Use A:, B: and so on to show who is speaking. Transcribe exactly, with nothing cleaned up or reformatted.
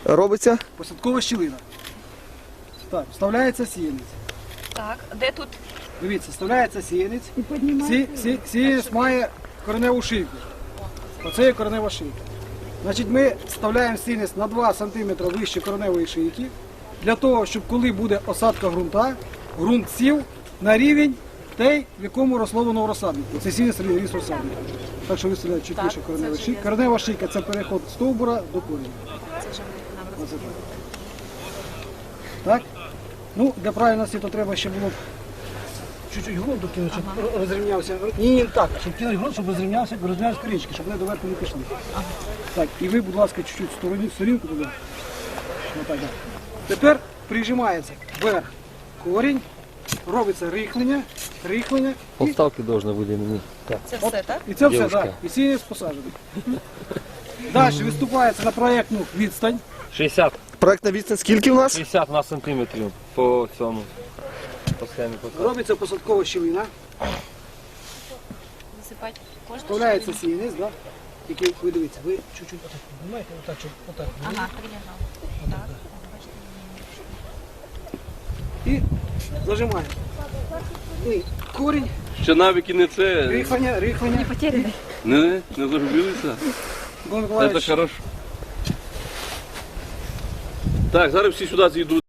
A: робиться?
B: Посадкова щілина. Так, вставляється сіянець.
C: Так, де тут?
B: Дивіться, вставляється сіянець. Сі, сі, сіянець має кореневу шийку. Оце є коренева шийка. Значить, ми вставляємо сіянець на два сантиметри вище кореневої шийки, для того, щоб коли буде осадка ґрунта, ґрунт сів на рівень той, в якому росло воно в розсаднику. Це сіянець ріс розсадника. Так що виставляють чуть вище коренева шийка. Коренева шийка – це переход стовбура до коріння.
C: Це вже нам
B: Оце так. Так? Ну, для правильності то треба ще було б чуть-чуть ґрунту кинути, щоб ага. розрівнявся. Ні, ні, так, щоб кинути ґрунт, щоб розрівнявся, розрівнявся корінчики, щоб вони доверху не пішли. Ага. Так, і ви, будь ласка, чуть-чуть стороні, сторінку туди. Отак, так. Тепер прижимається вверх корінь, робиться рихлення, рихлення.
D: Полставки должно выделить. Так.
C: Це все, так?
B: І це все,
D: Дівчинка.
B: так. І сіянець посаджений. Далі виступається на проєктну відстань.
D: шістдесят.
A: Проектна відстань скільки у нас?
D: шістдесят на сантиметрів по цьому. По схемі посадки.
B: Робиться посадкова щілина.
C: Висипати кожну
B: Вставляється сіянець, да? Який, ви дивіться, ви чуть-чуть отак піднімаєте, отак, щоб отак.
C: Ага, прилягав. Так.
B: І зажимаємо. І корінь,
E: Ще навіки не це,
B: рихлення, рихлення.
E: не, не загубилися.
B: Микола
E: Це
B: Миколаївич,
E: хорошо. Так, зараз всі сюди зійдуть.